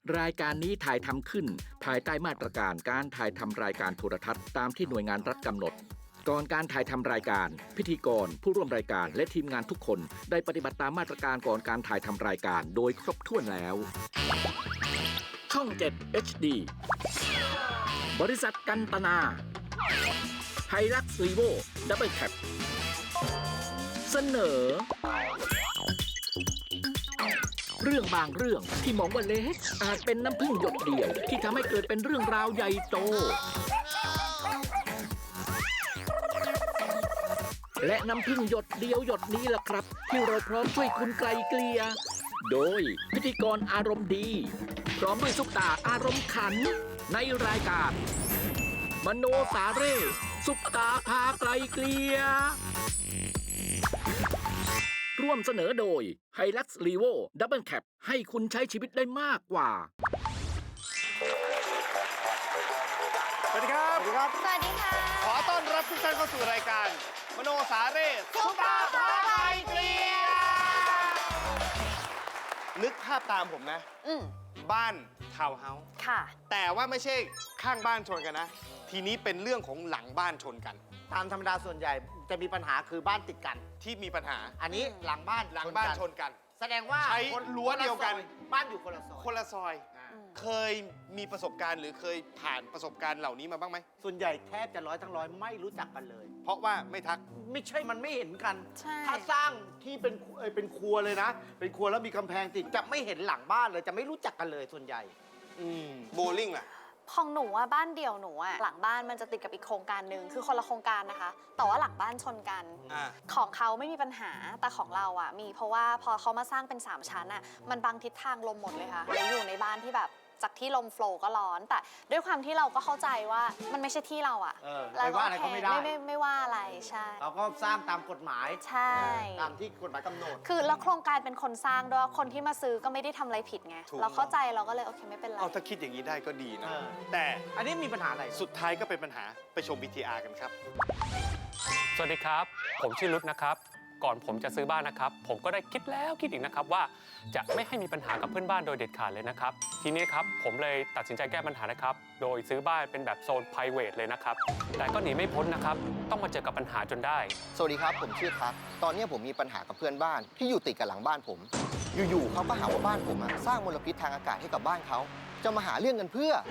รายการนี้ถ่ายทำขึ้นภายใต้มาตรการการถ่ายทำรายการโทรทัศน์ตามที่หน่วยงานรัฐกำหนดก่อนการถ่ายทำรายการพิธีกรผู้ร่วมรายการและทีมงานทุกคนได้ปฏิบัติตามมาตรการก่อนการถ่ายทำรายการโดยครบถ้วนแล้วช่อง 7 HD บริษัทกันตนาไฮลักซ์รีโวดับเบิลแคปเสนอเรื่องบางเรื่องที่มองว่าเล็กอาจเป็นน้ำพึ่งหยดเดียวที่ทำให้เกิดเป็นเรื่องราวใหญ่โตและน้ำพึ่งหยดเดียวหยดนี้ล่ะครับที่เราพร้อมช่วยคุณไกลเกลี่ยโดยพิธีกรอารมณ์ดีพร้อมด้วยซุปตาอารมณ์ขันในรายการมโนสาเร่ซุปตาพาไกลเกลี่ยร่วมเสนอโดย Hilux Revo Double Cab ให้คุณใช้ชีวิตได้มากกว่าสวัสดีครับสวัสดีค่ะขอต้อนรับทุกท่านเข้าสู่รายการมโนสาเร่ซุปตาพาไกลเกลี่ยนึกภาพตามผมนะ บ้านทาวน์เฮาส์ค่ะแต่ว่าไม่ใช่ข้างบ้านชนกันนะ ทีนี้เป็นเรื่องของหลังบ้านชนกันตามธรรมดาส่วนใหญ่จะมีปัญหาคือบ้านติดกันที่มีปัญหาอันนี้หลังบ้านหลังบ้านชนกันแสดงว่าใช้รั้วเดียวกันบ้านอยู่คนละซอยคนละซอย เคยมีประสบการณ์หรือเคยผ่านประสบการณ์เหล่านี้มาบ้างไหมส่วนใหญ่แทบจะร้อยทั้งร้อยไม่รู้จักกันเลยเพราะว่าไม่ทักไม่ใช่มันไม่เห็นกันใช่ถ้าสร้างที่เป็นครัวเลยนะ เป็นครัวแล้วมีกำแพงติดจะไม่เห็นหลังบ้านเลยจะไม่รู้จักกันเลยส่วนใหญ่โบลิ่งล่ะของหนูอะบ้านเดี่ยวหนูอะหลังบ้านมันจะติดกับอีกโครงการหนึ่งคือคนละโครงการนะคะ แต่ว่าหลังบ้านชนกันอ่าของเขาไม่มีปัญหาแต่ของเราอะมีเพราะว่าพอเขามาสร้างเป็น3ชั้นอะมันบังทิศทางลมหมดเลยค่ะแล้วอยู่ในบ้านที่แบบจากที่ลมโฟลว์ก็ร้อน แต่ด้วยความที่เราก็เข้าใจว่ามันไม่ใช่ที่เราอะไม่ว่าอะไรก็ไม่ได้ไม่ว่าอะไรใช่เราก็สร้างตามกฎหมายใช่ตามที่กฎหมายกำหนดคือแล้วโครงการเป็นคนสร้างด้วยคนที่มาซื้อก็ไม่ได้ทำอะไรผิดไงถูกเราเข้าใจเราก็เลยโอเคไม่เป็นไรเอาถ้าคิดอย่างนี้ได้ก็ดีนะ แต่อันนี้มีปัญหาอะไรสุดท้ายก็เป็นปัญหาไปชม VTR กันครับสวัสดีครับ ผมชื่อรุตนะครับ ก่อนผมจะซื้อบ้านนะครับ ผมก็ได้คิดแล้วคิดอีกนะครับว่าจะไม่ให้มีปัญหากับเพื่อนบ้านโดยเด็ดขาดเลยนะครับ ทีนี้ครับผมเลยตัดสินใจแก้ปัญหานะครับ โดยซื้อบ้านเป็นแบบโซน private เลยนะครับ แต่ก็หนีไม่พ้นนะครับ ต้องมาเจอกับปัญหาจนได้สวัสดีครับผมชื่อทักตอนนี้ผมมีปัญหากับเพื่อนบ้านที่อยู่ติดกับหลังบ้านผม อยู่ๆเขาก็หาว่าบ้านผมสร้างมลพิษทางอากาศให้กับบ้านเขาจะมาหาเรื่องกันเพื่อ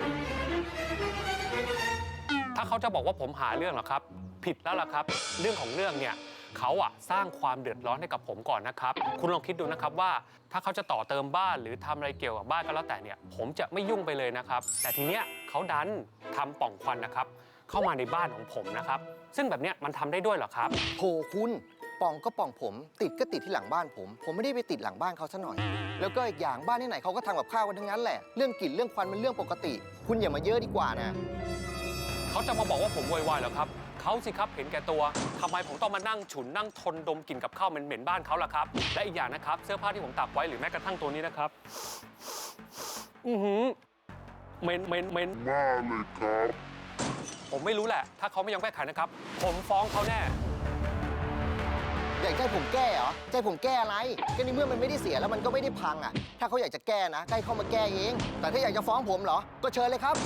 ถ้าเขาจะบอกว่าผมหาเรื่องเหรอครับ ผิดแล้วล่ะครับ เรื่องของเรื่องเนี่ยเขาสร้างความเดือดร้อนให้กับผมก่อนนะครับ คุณลองคิดดูนะครับว่าถ้าเขาจะต่อเติมบ้านหรือทำอะไรเกี่ยวกับบ้านก็แล้วแต่เนี่ยผมจะไม่ยุ่งไปเลยนะครับ แต่ทีเนี้ยเขาดันทำปล่องควันนะครับเข้ามาในบ้านของผมนะครับซึ่งแบบเนี้ยมันทำได้ด้วยเหรอครับโถคุณป่องก็ป่องผมติดก็ติดที่หลังบ้านผมไม่ได้ไปติดหลังบ้านเขาซะหน่อย แล้วก็อีกอย่างบ้านที่ไหนเขาก็ทำกับข้าวกันทั้งนั้นแหละเรื่องกลิ่นเรื่องควันมันเรื่องปกติ คุณอย่ามาเยอะดีกว่านะเขาจะมาบอกว่าผมโวยวายเหรอครับเขาสิครับเห็นแก่ตัวทำไมผมต้องมานั่งฉุนนั่งทนดมกลิ่นกับข้าวเหม็นๆบ้านเขาล่ะครับและอีกอย่างนะครับเสื้อผ้าที่ผมตากไว้หรือแม้กระทั่งตัวนี้นะครับเหม็นมากเลยครับผมไม่รู้แหละถ้าเขาไม่ยอมแก้ไขนะครับผมฟ้องเขาแน่อยากให้ผมแก้เหรอใจผมแก้อะไรก็ในเมื่อมันไม่ได้เสียแล้วมันก็ไม่ได้พังถ้าเขาอยากจะแก้นะก็ให้เข้ามาแก้เองแต่ถ้าอยากจะฟ้องผมเหรอก็เชิญเลยครับ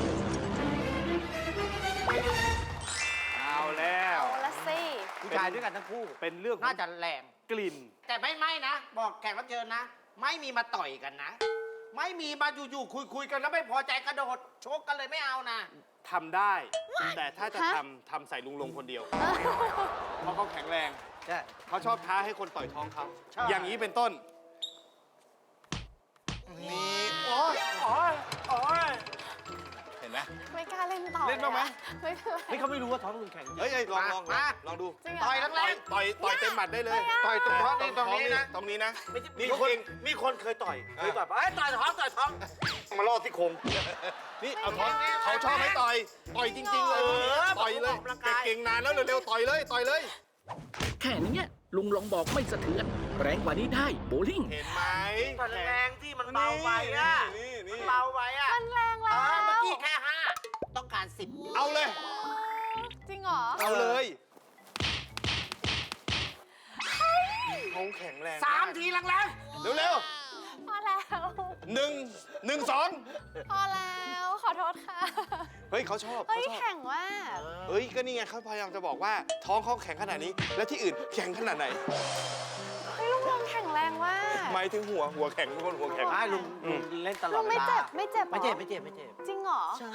เอาแล้วเอาละสิผู้ชายด้วยกันทั้งคู่เป็นเรื่องของน่าจะแรงกลิ่นแต่ไม่นะ บอกแขกรับเชิญนะ ไม่มีมาต่อยกันนะ ไม่มีมาอยู่ๆคุยกันแล้วไม่พอใจกระโดดชกกันเลยไม่เอานะทำได้ แต่ถ้าจะทำใส่ลุงลงคนเดียว เพราะเขาแข็งแรงใช่เขาชอบท้าให้คนต่อยท้องเขาใช่อย่างนี้เป็นต้น นี่โอ้ยเห็นไหมไม่กล้าเล่นต่อเล่นบ้างไหมไม่เป็นไรนี่เขาไม่รู้ว่าท้องคุณแข็งเฮ้ยลองมาลองดูจริงเหรต่อยแรงต่อยเต็มหมัดได้เลยต่อยตรงท้องนี่ตรงนี้นะตรงนี้นะไม่ใช่นี่มีคนเองมีคนเคยต่อยต่อยต่อยท้องมาล่อที่โครงนี่เอาท้องเขาชอบให้ต่อยจริงๆเลยต่อยเลยเก่งนานแล้วเร็วๆต่อยเลยแค่นี้ลุงลองบอกไม่สะเทือนแรงกว่านี้ได้โบลิ่งเห็นไหมต่อยแรงที่มันเบาไปอ่ะนี่มันเบาไปอ่ะมันแรงแล้วเมื่อกี้แค่5ต้องการ10 เอาเลยจริงเหรอเอาเลยเขาแข็งแรง 3 ทีแรงเร็วมาแล้วๆ 1 พอแล้วขอโทษค่ะ 2 เฮ้ยเขาชอบเฮ้ยเขาชอบแข่งว่าเฮ้ยก็นี่ไงเขาพยายามจะบอกว่าท้องเขาแข็งขนาดนี้ แล้วที่อื่นแข็งขนาดไหนเฮ้ยลุงลงแข็งแรงว่าหมายถึงหัวแข็งทุกคนหัวแข็งใช่ลุงเล่นตลอลุดงเวไม่ลาเจ็บไม่เจ็บหรอไม่เจ็บไม่เจ็บไม่เจ็บจริงเหรอใช่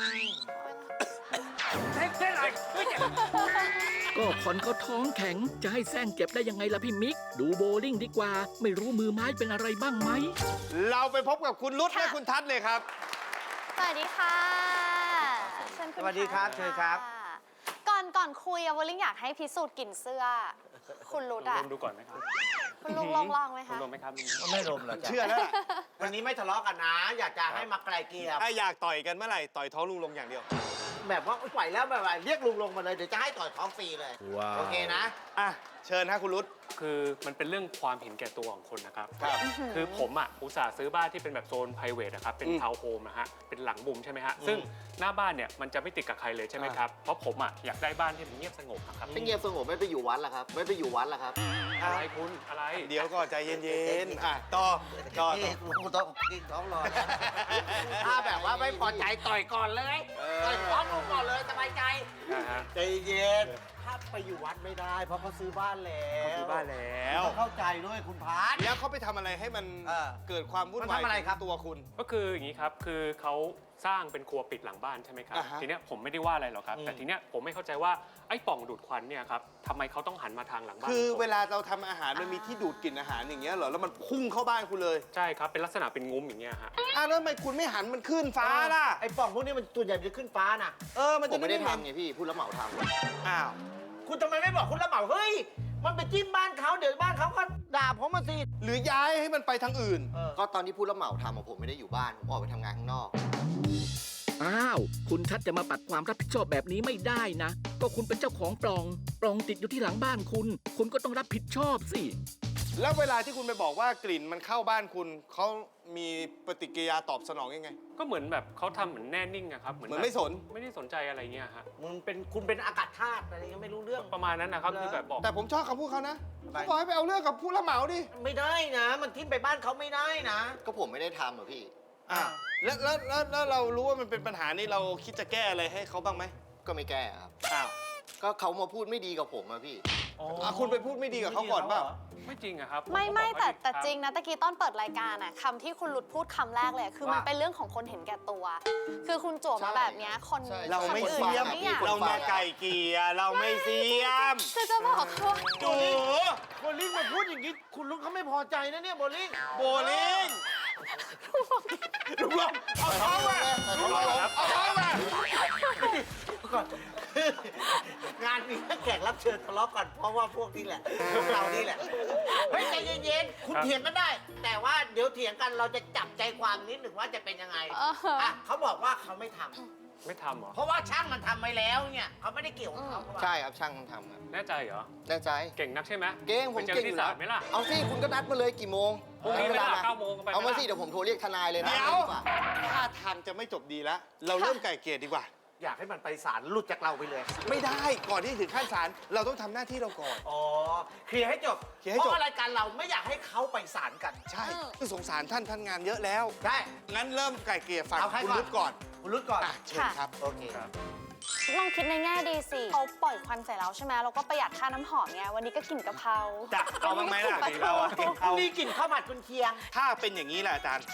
ก็คนเขาท้องแข็งจะให้แซงเจ็บได้ยังไงล่ะพี่มิก ดูโบว์ลิ่งดีกว่า ไม่รู้มือไม้เป็นอะไรบ้างไหมเราไปพบกับคุณรุตและค่ะคุณทัศน์เลยครับสวัสดีค่ะเชิญคุณสวัสดีครับะเชิญครับก่อนคุยอะวอลลิงอยากให้พิสูจน์กลิ่นเสื้อ คุณรุดลอะองดูก่อนไหมครับคุณลุงลองไหมคุณคะลงไหมครับไม่ลมหรอกเชื่อแล้วล่ะวันนี้ไม่ทะเลาะกันนะ อยากจะให้มาไกลเกลี่ยถ้าอยากต่อยกันเมื่อไหร่ต่อยท้องลุงลงอย่างเดียวแบบว่าปล่อยแล้วแบบว่าเรียกลุงลงมาเลยเดี๋ยวจะให้ต่อยท้องฟรีเลย โอเคนะอ่ะเชิญฮะคุณรุตคือมันเป็นเรื่องความเห็นแก่ตัวของคนนะครับครับคือผมอ่ะอุตส่าห์ซื้อบ้านที่เป็นแบบโซน p r i v a t นะครับ เป็นอืมทาวน์โฮมนะฮะ เป็นหลังมุมใช่ไหมฮะ ซึ่งหน้าบ้านเนี่ยมันจะไม่ติดกับใครเลยใช่ไหมครับ เพราะผมอ่ะอยากได้บ้านที่มันเงียบสงบนะครับไม่เงียบสงบไม่ไปอยู่วัดละครับ ไม่ไปอยู่วัดละครับอะไรคุณ อะไรเดี๋ยวก็ใจเย็นๆ อ่ะต่อนี่กูต้องกินท้องรอถ้าแบบว่าไม่พอใจต่อยก่อนเลย ต่อยท้องลุงก่อนเลยสบายใจนะฮะใจเย็น ถ้าไปอยู่วัดไม่ได้ เพราะเขาซื้อบ้านแล้วเขาซื้อบ้านแล้วต้องเข้าใจด้วยคุณพาร์ทแล้วเขาไปทำอะไรให้มันเออเกิดความวุ่นมันวายทำอะไรครับตัวคุณก็คืออย่างนี้ครับ คือเขาสร้างเป็นครัวปิดหลังบ้านใช่ไหมครับอ่าฮะทีเนี้ยผมไม่ได้ว่าอะไรหรอกครับ แต่ทีเนี้ยผมไม่เข้าใจว่าไอ้ปล่องดูดควันเนี่ยครับทำไมเขาต้องหันมาทางหลังบ้านคือผมเวลาเราทำอาหารมันมีที่ดูดกลิ่นอาหารอย่างเงี้ยเหรอ แล้วมันพุ่งเข้าบ้านคุณเลยใช่ครับ เป็นลักษณะเป็นงุ้มอย่างเงี้ยฮะอ้าวแล้วทำไมคุณไม่หันมันขึ้นฟ้าล่ะไอ้ปล่องพวกนี้มันส่วนใหญ่จะขึ้นฟ้าน่ะมันผจะมไม่ได้เห็นทำไงพี่ พูดแล้วเหมาทำอ้าวคุณทำไมไม่บอกคุณละเหมาเฮ้ย มันไปจิ้มบ้านเขาเดี๋ยวบ้านเขาก็ด่าผมมาสิหรือย้ายให้มันไปทางอื่นก็ตอนที่พูดแล้วเหมาทำผมไม่ได้อยู่บ้าน ผมออกไปทำงานข้างนอกอ้าว คุณทัศน์จะมาปัดความรับผิดชอบแบบนี้ไม่ได้นะ ก็คุณเป็นเจ้าของปล่อง ปล่องติดอยู่ที่หลังบ้านคุณ คุณก็ต้องรับผิดชอบสิแล้วเวลาที่คุณไปบอกว่ากลิ่นมันเข้าบ้านคุณ เขามีปฏิกิริยาตอบสนองยังไงก็เหมือนแบบเขาทำเหมือนแน่นิ่งอะครับเหมือนไม่สนไม่ได้สนใจอะไรเงี้ยฮะคุณเป็นอากาศธาตุอะไรยังไม่รู้เรื่องประมาณนั้นนะครับคือแบบบอกแต่ผมชอบคำพูดเขานะเขาบอกให้ไปเอาเรื่องกับผู้รับเหมาดิไม่ได้นะ มันทิ้มไปบ้านเขาไม่ได้นะก็ผมไม่ได้ทำอะพี่อ่ะแล้วเรารู้ว่ามันเป็นปัญหานี้เราคิดจะแก้อะไรให้เขาบ้างไหมก็ไม่แก้ครับอ้าวก็เขามาพูดไม่ดีกับผมอะพี่คุณไปพูดไม่ดีกับเขาก่อนเปล่าไม่จริงอะครับไม่ผก็ไม่บอกแต่ว่าแต่คบจริงนะตะกี้ตอนเปิดรายการอะคำที่คุณหลุดพูดคำแรกเลยคือมันว่าเป็นเรื่องของคนเห็นแก่ตัว คือคุณจั่วมาแบบเนี้ยคนใช่เราไม่คนอื่นเสียมไม่อยากเรามาไก่เกลียเราไม่เสียมคือจะบอกเขาว่าโอ้โหโบลิ่งมาพูดอย่างนี้ คุณลุงเขาไม่พอใจนะเนี่ยโบลิ่งโบลิ่งลุงลงเอาท้องมาลุงลงเอาท้องมาก่อนงานนี้แขกรับเชิญทะเลาะกันเพราะว่าพวกนี้แหละพวกเรานี่แหละ เฮ้ยใจเย็นๆ คุณเถียงกันได้ แต่ว่าเดี๋ยวเถียงกันเราจะจับใจความนิดหนึ่งว่าจะเป็นยังไง อ่ะเขาบอกว่าเขาไม่ทำไม่ทำเหรอเพราะว่าช่างมันทำไปแล้วเนี่ยเขาไม่ได้เกี่ยวกับเขาใช่ครับช่างทำครับแน่ใจเหรอแน่ใจเก่งนักใช่ไหมเก่งผมไปเจอเก่งอที่ยู่ศาแล้ลไหมล่ะเอาสิคุณก็นัดมาเลยกี่โมงพรุ่งนี้ไหมล่ะ9 โมงก็ไปไหมเอามาล่ะสิเดี๋ยวผมโทรเรียกทนายเลยนะเดี๋ยวดีกว่าท่าทางจะไม่จบดีแล้ว เราเริ่มไก่เกลียดีกว่าอยากให้มันไปศาลหลุดจากเราไปเลยไม่ได้ ก่อนที่ถึงขั้นศาลเราต้องทำหน้าที่เราก่อนอ๋อ เคลียร์ให้จบเคลียร์ให้จบเพราะรายการเราไม่อยากให้เขาไปศาลกันใช่คือสงสารท่านงานเยอะแล้วใช่งั้นเริ่มไก่เกลียฝั่งเอาใครคุณก่อนรุดก่อนคุณรุดก่อนอ่ะเชิญครับโอเคลองคิดในแง่ดีสิเขาปล่อยควันใส่เราใช่ไหมเราก็ประหยัดค่าน้ำหอมไงวันนี้ก็กลิ่นกะเพราจะเอาบ้างไหมล่ะวันนี้ก็เราอะกลิ่นปลาทูมีกลิ่นข้าวผัดกุนเชียงถ้าเป็นอย่างนี้แหละอาจารย์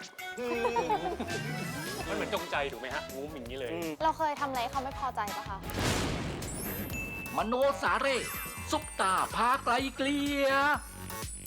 มันเหมือนจงใจถูกไหมฮะงูอย่างนี้เลยเราเคยทำอะไรให้เขาไม่พอใจปะคะมโนสาเร่ซุปตาพาไกลเกลีย